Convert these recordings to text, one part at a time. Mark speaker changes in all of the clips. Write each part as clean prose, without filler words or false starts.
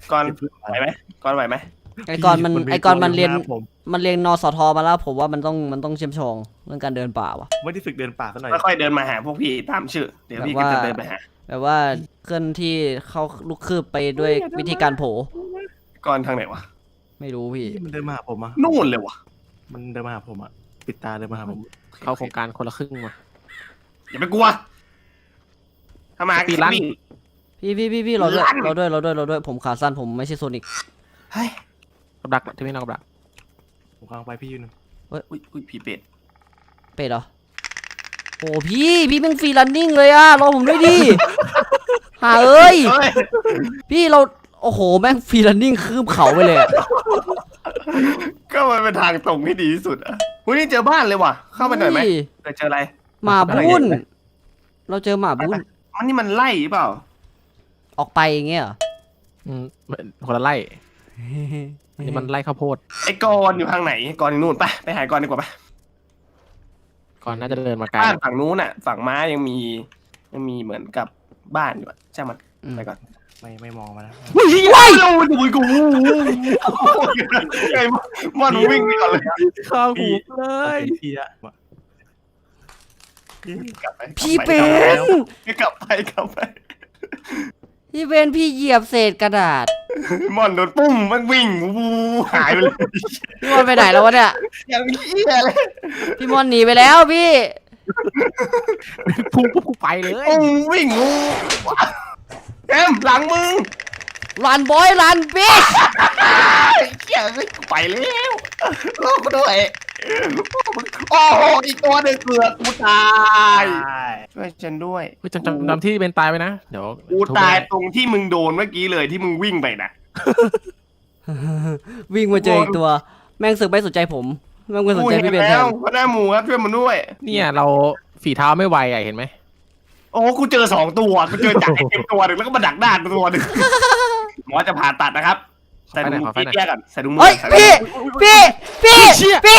Speaker 1: ก่อนไหวไหมก่อนไหวไหม
Speaker 2: ไอ้กอนมันเรียนนสทมาแล้วผมว่ามันต้องเชื่อมชองเรื่องการเดินป่าวะ
Speaker 3: ไม่ได้ฝึกเดินป่าซะหน่อย
Speaker 1: ค่อยๆเดินมาหาพวกพี่ตามชื่อเดี๋ยวพี่ก็จะเดินไปหา
Speaker 2: แบบว่าเคลื่อนที่เข้าลูกคืบไปด้วยวิธีการโผ
Speaker 1: ก่อนทางไหนวะ
Speaker 2: ไม่รู้พี่
Speaker 3: มันเดินมาหาผมอะ
Speaker 1: นู่นเลยวะ
Speaker 3: มันเดินมาหาผมอะปิดตาเดินมาหาผม
Speaker 4: เข้าโครงการคนละครึ่งมา
Speaker 1: อย่าไปกลัวถ้ามา
Speaker 4: ตีลั่น
Speaker 1: วิ่ง
Speaker 2: พี่เราด้วยผมขาสั้นผมไม่ใช่โซนิก
Speaker 1: เฮ้ย
Speaker 4: กับดักที่ไม่นอกกับดัก
Speaker 3: ผมกำลังไปพี่อยู่นึง
Speaker 1: อุ้ยผีเป็ด
Speaker 2: เป็ดเหรอโอ้พี่แม่งฟรีรันนิ่งเลยอะรอผมด้วยดิหาเอ้ย
Speaker 1: เฮ้ย
Speaker 2: พี่เราโอ้โหแม่งฟรีรันนิ่งคืบเขาไปเลยอะ
Speaker 1: ก็มันเป็นทางตรงที่ดีที่สุดอ่ะอุ้ยนี่เจอบ้านเลยว่ะเข้าไปหน่อยไหมเจออะไร
Speaker 2: หมาบุ้นเราเจอหมาบุ้น
Speaker 1: มันนี่มันไล่หรือเปล่า
Speaker 2: ออกไปอย่างเงี้ยเหรอ
Speaker 4: คนละไล่อันนี้มันไล่ข้าวโพด
Speaker 1: ไอ้กอนอยู่ทางไหนกอนอยู่นู่นไปหากอนดีกว่าไป
Speaker 4: ก่อนน่าจะเดินมาไกล
Speaker 1: บ้านฝั่งนู้นน่ะฝั่งม้ายังมีเหมือนกับบ้านอยู่อ่ะใช่มันไปก่อน
Speaker 3: ไม่มองมาแล้ว
Speaker 1: ว้ายเราดูกูไอ้มอนวิ่งไปก่อนเลย
Speaker 4: ข้าวหูเลย
Speaker 3: พี่อะ
Speaker 1: กลับไป
Speaker 2: พี่เป็น
Speaker 1: กลับไป
Speaker 2: พี่เป็นพี่เหยียบเศษกระดาษ
Speaker 1: มอนโดนปุ้มมันวิ่งวูหายไปเลย
Speaker 2: พี่มอนไปไหนแล้ววะเนี่ย
Speaker 1: อย่างเหี้ยเลย
Speaker 2: พี่มอนหนีไปแล้วพี่
Speaker 4: พุ่งปุ๊บกูไปเลย
Speaker 1: ปุ้มวิ่งวูแอมหลังมึง
Speaker 2: รันบอยรันบิ๊ก
Speaker 1: เหี้ยไปแล้วโลกด้วยโอ้โหอีกตัวหนึ่งเกือบกูตายช่วยฉันด้วย
Speaker 4: จำที่เป็นตายไปนะเดี๋ยว
Speaker 1: กูตายตรงที่มึงโดนเมื่อกี้เลยที่มึงวิ่งไปนะ
Speaker 2: วิ่งมาเจออีกตัว แม่งสึกไม่สนใจผมแม่งไม่สน
Speaker 1: กู
Speaker 2: ใจ
Speaker 1: เห็น
Speaker 2: พี่เบนแท
Speaker 1: แล้ว
Speaker 2: น
Speaker 1: พระหน้าหมูครับช่วยมันด้วย
Speaker 4: เนี่ยเราฝีเท้าไม่ไวอ่ะเห็นไหม
Speaker 1: โอ้กูเจอ2 ตัวกูเจอจากไอ้เต็มตัวหนึ่งแล้วก็มาดักหน้าตัวหนึ่งหมอจะผ่าตัดนะครับใส่ถุงมือพี่แยกกันใส่ถุงมื
Speaker 2: เฮ้ย
Speaker 1: ใส่
Speaker 2: พี่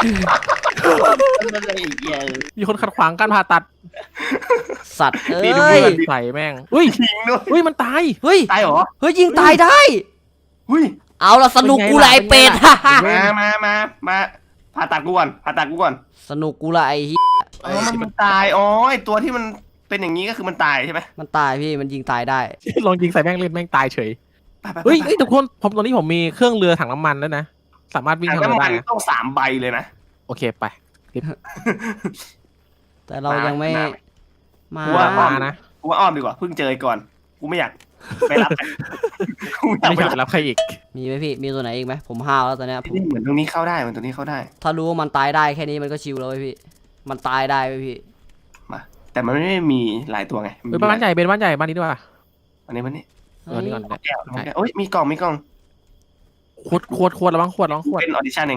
Speaker 4: มีคนขัดขวางการผ่าตัด
Speaker 2: สัตว์เอ้
Speaker 1: นี่ถุงมื
Speaker 2: ย
Speaker 1: อ
Speaker 4: ใส่แม่งอุ้ย
Speaker 1: ทิ้งด้วย
Speaker 4: อุ้ยมันตาย
Speaker 2: เฮ้ย
Speaker 1: ตายเหรอ
Speaker 2: เฮ้ยยิงตายได้
Speaker 1: หุ้ย
Speaker 2: เอาละสนุกกูละไอเป็ด
Speaker 1: มาผ่าตัดกูก่อน
Speaker 2: สนุกกูละไอเหี้ย
Speaker 1: อ๋อมันตายอ๋อไอตัวที่มันเป็นอย่างนี้ก็คือมันตายใช่ไหม
Speaker 2: มันตายพี่มันยิงตายได้
Speaker 4: ลองยิงใส่แม่งเล่นแม่งตายเฉย
Speaker 1: ไป
Speaker 4: เฮ้ยทุกคนตอนนี้ผมมีเครื่องเรือถังน้ำมันแล้วนะสามารถวิ่ง
Speaker 1: ถัง
Speaker 4: ทางเรือ
Speaker 1: น้ำมั
Speaker 4: ได้
Speaker 1: น
Speaker 4: นะ
Speaker 1: ต้อง3 ใบเลยนะ
Speaker 4: โอเคไป
Speaker 2: แต่เรายังไม่มา
Speaker 1: กูว่าอ้อม
Speaker 4: นะ
Speaker 1: กูว่าอ้อมดีกว่าเพิ่งเจอก่อนกูไม่อยากไปรับกูอยาก
Speaker 4: ไม่
Speaker 1: ไป
Speaker 4: อยาก
Speaker 1: รับ
Speaker 4: รับใครอีก
Speaker 2: มีไหมพี่มีตัวไหนอีกไหมผมห้าวแล้วตอนเนี้ยผม
Speaker 1: นี่เหมือนตรงนี้เข้าได้เหมือนตรงนี้เข้าได้
Speaker 2: ถ้ารู้ว่ามันตายได้แค่นี้มันก็ชิลแล้วเว้ยพี่มันตายได้เว้ยพี่
Speaker 1: มาแต่มันไม่มีหลายตัวไง
Speaker 4: เฮ้ยบ้านใหญ่เป็นบ้านใหญ่บ้านนี้ด้วย
Speaker 1: อันนี้มันนี่
Speaker 4: นี่ก่อน
Speaker 1: แก้วโอ้ยมีกล่อง
Speaker 4: ขวดระวังขวด
Speaker 1: เป็นออดิชั่นเอง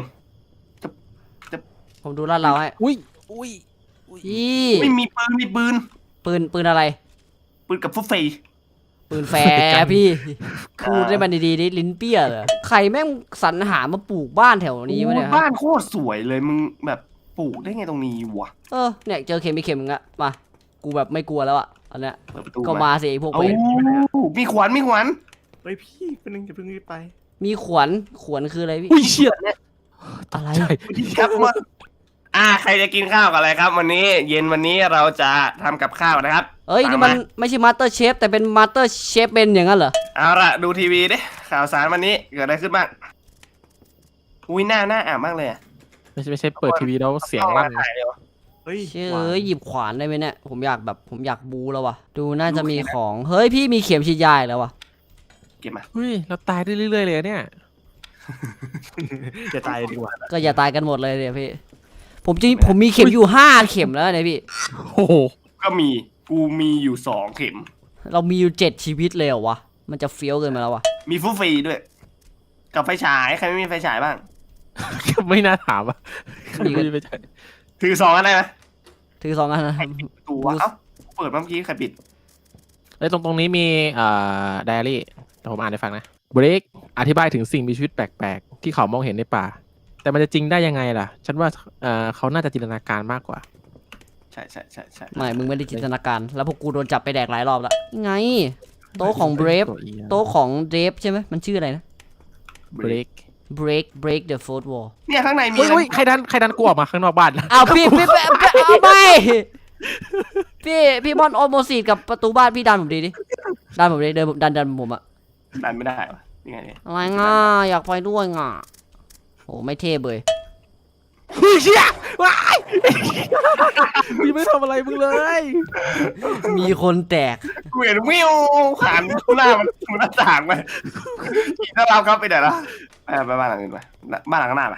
Speaker 2: ผมดูลาดเราให้
Speaker 4: อุ้ย
Speaker 2: พี่
Speaker 1: ไม่มีปืน
Speaker 2: ปืนอะไร
Speaker 1: ปืนกับฟุตเฟย์
Speaker 2: ปืนแฟร์พี่พูดได้มันดีๆดิลิ้นเปี้ยเหรอใครแม่งสรรหามาปลูกบ้านแถวนี้วะเนี่ย
Speaker 1: บ้านโคตรสวยเลยมึงแบบปลูกได้ไงตรงนี้วะ
Speaker 2: เนี่ยเจอเข็มมีเข็มมึงอะมากูแบบไม่กลัวแล้วอะอันเนี้ย
Speaker 1: เปิดประตู
Speaker 2: ก็มาสิไอ้พวก
Speaker 1: โอ้
Speaker 2: เวร
Speaker 1: มีขวัญ
Speaker 3: เฮ้ยพี่เป็นนึงจะเพิ่งรีบไป
Speaker 2: มีขวัญคืออะไรพี่
Speaker 4: อุ้ยเชี่ย
Speaker 2: อะไร
Speaker 1: ครับว่าใครจะกินข้าวกับอะไรครับ วันนี้เย็นวันนี้เราจะทำกับข้าวนะครับ
Speaker 2: เอ้ยนี่มันไม่ใช่มาสเตอร์เชฟแต่เป็นมาสเตอร์เชฟเป็นอย่างนั้นเหรอ
Speaker 1: เอาละดูทีวีดิข่าวสารวันนี้เกิดอะไรขึ้นบ้างอุ้ยหน้าอ่านมากเลยอะ
Speaker 4: ไม่ใช่เปิดทีวีแล้วเสียงลั่น
Speaker 3: เฮ้ย
Speaker 2: เชื่อหยิบขวานได้ไหมเนี่ยผมอยากบูแล้ววะดูน่าจะมีของเฮ้ยพี่มีเข็มฉีดยาอีกแล้ววะ
Speaker 1: เก็บมา
Speaker 4: เฮ้ยเราตายได้เรื่อยๆเลยเนี่ย
Speaker 3: จะตายดีกว่า
Speaker 2: ก็อย่าตายกันหมดเลยเนี่ยพี่ผมมีเข็มอยู่5 เข็มแล้วเนี่ยพี่
Speaker 4: โอ้โห
Speaker 1: กูมีอยู่2 เข็ม
Speaker 2: เรามีอยู่7 ชีวิตเลยเหรอวะมันจะเฟี้ยวเกินไปแล้ววะ
Speaker 1: มีฟุตฟรีด้วย กับไฟฉายใครไม่มีไฟฉายบ้าง
Speaker 4: ไม่น่าถามอ่ะไม่ใช่
Speaker 1: ถือ2อันได้ไหม
Speaker 2: ถือ2 อันนะ
Speaker 1: ตัวเปิดเมื่อกี้ใครปิด
Speaker 4: แล้วตรงนี้มีไดอารี่เดี๋ยวผมอ่านให้ฟังนะเบรกอธิบายถึงสิ่งมีชีวิตแปลกๆที่เขามองเห็นในป่าแต่มันจะจริงได้ยังไงล่ะฉันว่าเขาน่าจะจินตนาการมากกว่า
Speaker 1: ใช่
Speaker 2: ไม่มึงไม่ได้จินตนาการแล้วพวกกูโดนจับไปแดกหลายรอบแล้วไงโต๊ะของ Brave โต๊ะของ Brave ใช่ไหมมันชื่ออะไรนะ
Speaker 4: break
Speaker 2: break the fourth wall
Speaker 1: เนี่ยข้างในมี
Speaker 4: อุ้ยใครดันกูออกมาข้างนอกบ้าน
Speaker 2: เอาพี่เอาไปพี่มอนโอโมซีดกับประตูบ้านพี่ดันผมดิดันผมดิเดินดันผมอะ
Speaker 1: ดันไม่ได้วะยังไงเนี่ย
Speaker 2: อะไรง่าอยากไปด้วยง่าโอ้ไม่เท่เลย
Speaker 4: เฮ้ยเชี่ยว้ายพี่ไม่ทำอะไรมึงเลย
Speaker 2: มีคนแตก
Speaker 1: กูเห็นวิวหันหน้ามันหน้าต่างไปอีกถ้าเราครับไปไหนละไปบ้านหลังอื่นไปบ้านหลังข้างหน้าไป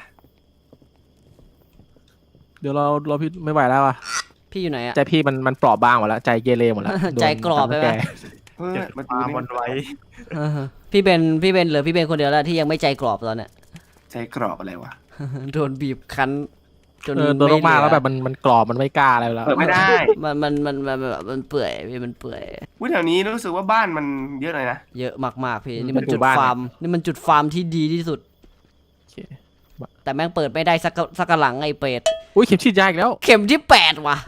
Speaker 4: เดี๋ยวเราพี่ไม่ไหวแล้วอ่ะ
Speaker 2: พี่อยู่ไหนอะ
Speaker 4: ใจพี่มันเปราะบางหมดแล้วใจเกเรหมดแล้ว
Speaker 2: ใจกรอบไปไหม
Speaker 1: เฮ้ย
Speaker 3: เก็บ
Speaker 1: มัน
Speaker 3: ปลาบนไว้
Speaker 2: พี่เป็นเหลือพี่เป็นคนเดียวแล้วที่ยังไม่ใจกรอบตอนเนี้ย
Speaker 1: ใจกรอบอะไรวะ
Speaker 2: โดนบีบคั้นจน
Speaker 4: โดนมากๆแล้วแบบมันกรอบมันไม่กล้าอะไรแล้ว
Speaker 1: เปิดไม่ได้
Speaker 2: มันเปื่อยพี่มันเปื่อย
Speaker 1: วุ้ยแถวนี้รู้สึกว่าบ้านมันเยอะเลยนะ
Speaker 2: เยอะมากๆพี่นี่มันจุดฟาร์มนี่มันจุดฟาร์มที่ดีที่สุด
Speaker 4: โอเค
Speaker 2: แต่แม่งเปิดไม่ได้สักหลังไอ้เป็ด
Speaker 4: อุ้ยเข็มฉีดยาอีกแล้ว
Speaker 2: เข็มที่8ว่ะ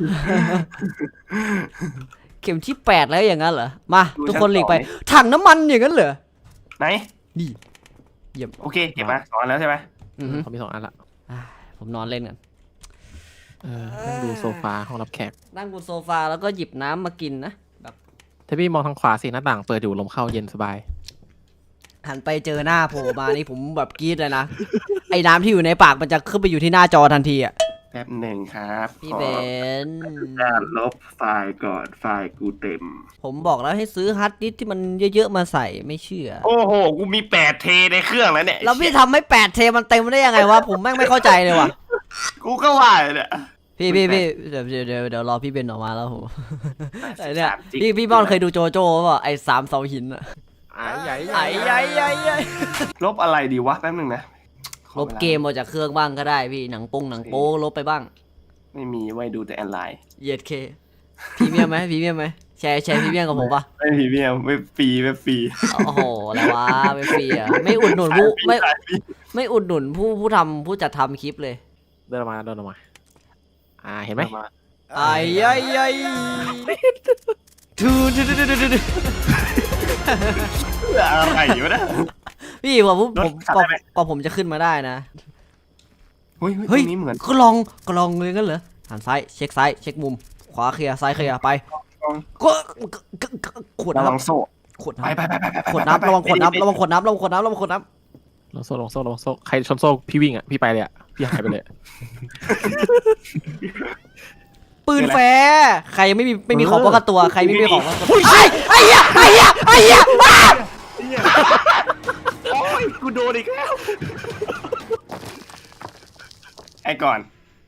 Speaker 2: เข็มที่8แล้วอย่างนั้นเหรอมาทุกคนหลีกไปถังน้ำมันอย่างนั้นเหรอ
Speaker 1: ไหน
Speaker 2: นี่เยี่ยม
Speaker 1: โอเคเก็บมาสอนแล้วใช่ไหม
Speaker 2: อือฮึ
Speaker 4: เขามี2 อันละ
Speaker 2: ผมนอนเล่นกัน
Speaker 4: นั่งดูโซฟาห้องรับแขก
Speaker 2: นั่งบนโซฟาแล้วก็หยิบน้ำมากินนะแบบ
Speaker 4: ถ้าพี่มองทางขวาสิหน้าต่างเปิดอยู่ลมเข้าเย็นสบาย
Speaker 2: หันไปเจอหน้าโผล่มานี่ผมแบบกรี๊ดเลยนะ ไอ้น้ำที่อยู่ในปากมันจะขึ้นไปอยู่ที่หน้าจอทันทีอ่ะ
Speaker 1: แป๊บหนึ่งครับ
Speaker 2: พี่เบน
Speaker 1: การลบไฟล์ก่อนไฟล์กูเต็ม
Speaker 2: ผมบอกแล้วให้ซื้อฮาร์ดดิสก์ที่มันเยอะๆมาใส่ไม่เชื่อ
Speaker 1: โอ้โหกูมี8 เทในเครื่องแล้วเนี่ย
Speaker 2: แล้วพี่ทำให้8 เทมันเต็มได้ยังไงวะผมแม่งไม่เข้าใจเลยว่ะ
Speaker 1: กูก็ว่าเนี่ย
Speaker 2: พี่เดี๋ยวรอพี่เบนออกมาแล้วผมไอ้เนี่ยพี่บอลเคยดูโจโจ้ป่ะไอ้3 เสาหินอะ
Speaker 4: ใหญ่
Speaker 2: ใหญ่
Speaker 1: ลบอะไรดีวะแป๊บหนึงนะ
Speaker 2: ลบเกมออกจากเครื่องบ้างก็ได้พี่หนังโป๊ลบไปบ้าง
Speaker 1: ไม่มีไว้ดูแต่ออนไลน์
Speaker 2: เหยียดเคพรีเมียมไหมแชร์พรีเมียมกับผมปะ
Speaker 1: ไม่มีเมียไม่ฟรีไม่ฟรี
Speaker 2: โอ้โหอะไรวะไม่ฟรีอ่ะไม่อุดหนุนผู้ไม่อุดหนุนผู้จัดทำคลิปเลย
Speaker 4: เดินออกมาเห็นไหม
Speaker 2: ไอ้ทู
Speaker 1: อะไรอยู่นะ
Speaker 2: พี่กว่าผมจะขึ้นมาได้นะ
Speaker 1: เฮ้ย
Speaker 2: เฮ้ย
Speaker 1: ตรงนี้เหมือน
Speaker 2: ก็ลองเลยกันเหรอหันซ้ายเช็คมุมขวาเคลียร์ซ้ายเคลียร์ไปก็ขวด
Speaker 1: ระวัง
Speaker 2: น้ำ
Speaker 1: โซ่
Speaker 2: ขวด
Speaker 1: ไป
Speaker 2: น้ำ
Speaker 1: ไป
Speaker 2: ขวดน้ำระวังขวดน้ำ
Speaker 4: ลงโซ่ใครชนโซ่พี่วิ่งอ่ะพี่ไปเลยอ่ะพี่หายไปเลย
Speaker 2: ปืนแฟร์ใครยังไม่มีของป้องกันตัวใครไม่มีของป้องกันตัวไอ้เหี้ย
Speaker 1: โอ้ยกูโดนอีกแล้วไอ้ก่อน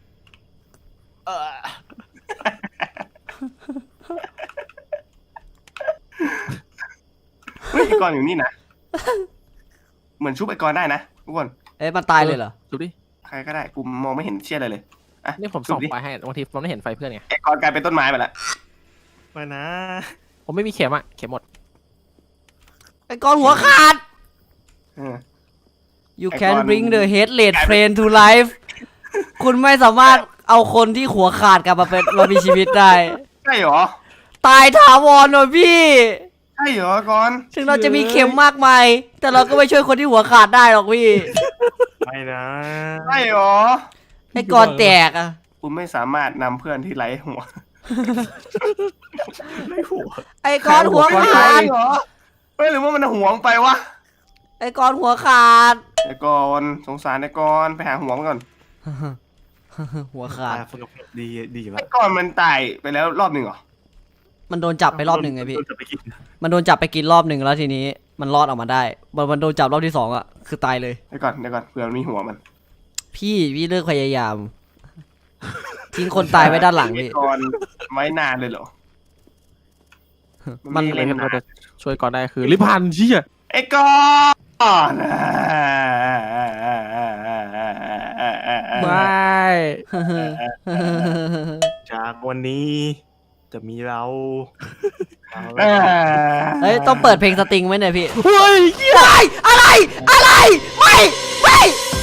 Speaker 1: เฮ้ยไอ้ก่อนอยู่นี่นะเหมือนชุบไอ้ก่อนได้นะทุกคน
Speaker 2: เอ๊ะมันตายเลยเหรอ
Speaker 4: ดูดิ
Speaker 1: ใครก็ได้กูมองไม่เห็นเชี่ยอะไรเลยอ่ะ
Speaker 4: นี่ผมส่องไปให้บางทีมันไม่เห็นไฟเพื่อนไง
Speaker 1: ไอ้ก่อนกลายเป็นต้นไม้ไปแล้ว
Speaker 3: มานะ
Speaker 4: ผมไม่มีเข็มเข็มหมด
Speaker 2: ไอ้ก้อนหัวขาด
Speaker 1: เออ
Speaker 2: You
Speaker 1: ไอ้
Speaker 2: can
Speaker 1: ก้อน
Speaker 2: bring the headless train to life คุณไม่สามารถเอาคนที่หัวขาดกลับมามีชีวิตได้
Speaker 1: ใช่เหรอ
Speaker 2: ตายถาวรหน่อยพี่
Speaker 1: ใช่เหรอก่อน
Speaker 2: ถึงเราจะมีเข็มมากมาย แต่เราก็ไม่ช่วยคนที่หัวขาดได้หรอกพี่
Speaker 3: ไม่นะ
Speaker 1: ใช่เหรอ
Speaker 2: ไอ้ก้อนแตกอะ
Speaker 1: คุณไม่สามารถนำเพื่อนที่ไร้หัว
Speaker 3: ไม่หัว
Speaker 2: ไอ้ก้อนหัวขา
Speaker 1: ใช่
Speaker 2: ด
Speaker 1: เหรอเฮ้ยหรือว่ามันห่วงไปวะ
Speaker 2: ไอ้ก้อนหัวขาด
Speaker 1: ไอ้ก่อนสงสารไอ้ก่อนไปหาหัวมันก่อน
Speaker 2: หัวขาด
Speaker 3: ฝึกดี
Speaker 1: ไอ้
Speaker 3: วะ
Speaker 1: ก่อนมันตายไปแล้วรอบหนึ่งเหรอ
Speaker 2: มันโดนจับไปรอบหนึ่งไงพี่
Speaker 3: จะไปกิน
Speaker 2: มันโดนจับไปกินรอบหนึ่งแล้วทีนี้ มันรอดออกมาได้มันโดนจับรอบที่2อะคือตายเลย
Speaker 1: เดี๋ยวก่อนเผื่อมันมีหัวมัน
Speaker 2: พี่เลิกพยายาม ทิ้งคนตายไว้ด้านหลัง
Speaker 1: ไอ้
Speaker 2: พี่
Speaker 1: ก่อนไว้นานเลยเหรอ
Speaker 2: มัน
Speaker 1: ไ
Speaker 4: อะไรที่เราจะช่วยก่อนได้คือลิพันเชี่ย
Speaker 1: ไอ้ก่อน
Speaker 4: ไม่
Speaker 3: จากวันนี้จะมีเรา
Speaker 2: เฮ้ยต้องเปิดเพลงสตริงไว้หน่อยพี่
Speaker 4: เฮ้ย
Speaker 2: อะไรไม่